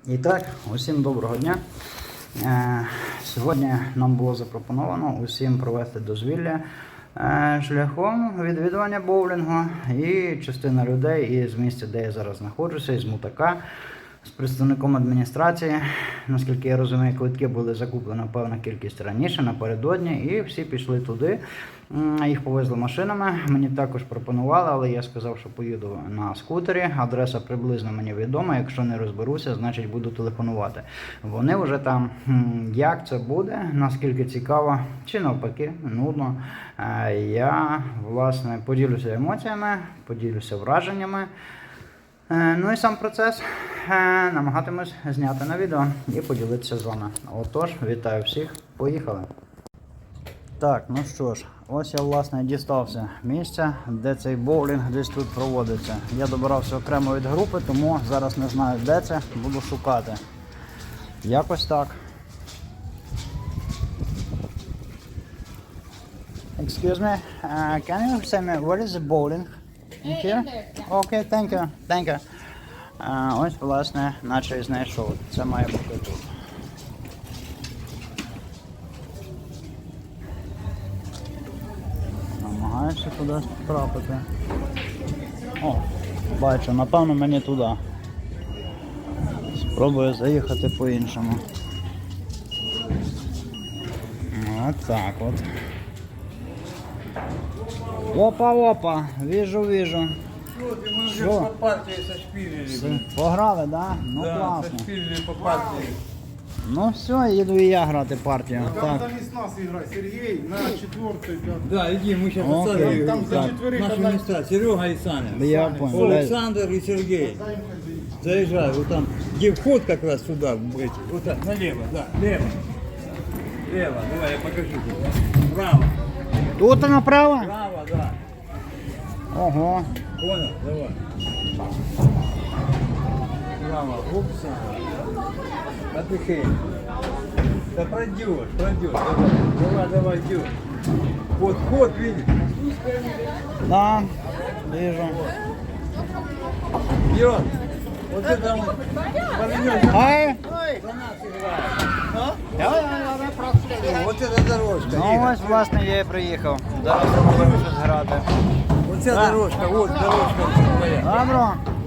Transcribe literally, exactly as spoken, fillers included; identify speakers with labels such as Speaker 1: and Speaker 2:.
Speaker 1: І так, усім доброго дня. Сьогодні нам було запропоновано усім провести дозвілля шляхом відвідування боулінгу. І частина людей із місця, де я зараз знаходжуся, із Мутака, з представником адміністрації, наскільки я розумію, квитки були закуплені певна кількість раніше, напередодні, і всі пішли туди. Їх повезли машинами, мені також пропонували, але я сказав, що поїду на скутері. Адреса приблизно мені відома, якщо не розберуся, значить буду телефонувати. Вони вже там, як це буде, наскільки цікаво, чи навпаки, нудно. Я, власне, поділюся емоціями, поділюся враженнями. Ну і сам процес намагатимусь зняти на відео і поділитися з вами. Отож, вітаю всіх, поїхали! Так, ну що ж, ось я, власне, дістався місця, де цей боулінг десь тут проводиться. Я добирався окремо від групи, тому зараз не знаю, де це, буду шукати. Якось так. Excuse me, uh, can you say me where is the bowling? In here? Okay, thank you, thank you. Uh, ось, власне, наче і знайшов. Це має бути тут. Намагаюся кудись потрапити. О, бачу, напевно мені туди. Спробую заїхати по-іншому. От так от. Опа-опа, вижу, вижу.
Speaker 2: Что? По партии сошпилили.
Speaker 1: Пограли, да? Ну
Speaker 2: Да,
Speaker 1: класно.
Speaker 2: сошпилили по партии.
Speaker 1: Ну все, їду і я грати партію.
Speaker 3: Там
Speaker 1: Так.
Speaker 3: вместо нас играть. Сергей на четвертый, пятый.
Speaker 2: Да, иди, мы сейчас
Speaker 1: Окей,
Speaker 2: отсадим.
Speaker 3: Там за
Speaker 1: так.
Speaker 3: четверых
Speaker 2: Наши
Speaker 3: одна-
Speaker 2: места, Серега и Саня.
Speaker 1: Я понял.
Speaker 2: Александр и Сергей. Заезжай, вот там, где вход как раз сюда, эти, вот так, налево, да, лево. Лево, давай, я покажу тебе. Право,
Speaker 1: Тут направо?
Speaker 2: право, да.
Speaker 1: Ого.
Speaker 2: Понял, давай. Право, упс. Отдыхай. Да пройдешь, пройдешь, давай, давай, давай, идешь. Вот вход, видишь?
Speaker 1: Да, вижу.
Speaker 2: Идет. Вот это он. Повернешь.
Speaker 1: Ай!
Speaker 2: За нас играет. Вот эта дорожка.
Speaker 1: Ну
Speaker 2: Игорь.
Speaker 1: ось, власне, я і приїхав. Зараз я повинен щось грати.
Speaker 2: Вот эта
Speaker 1: Да.
Speaker 2: дорожка, вот дорожка твоя.
Speaker 1: Добро.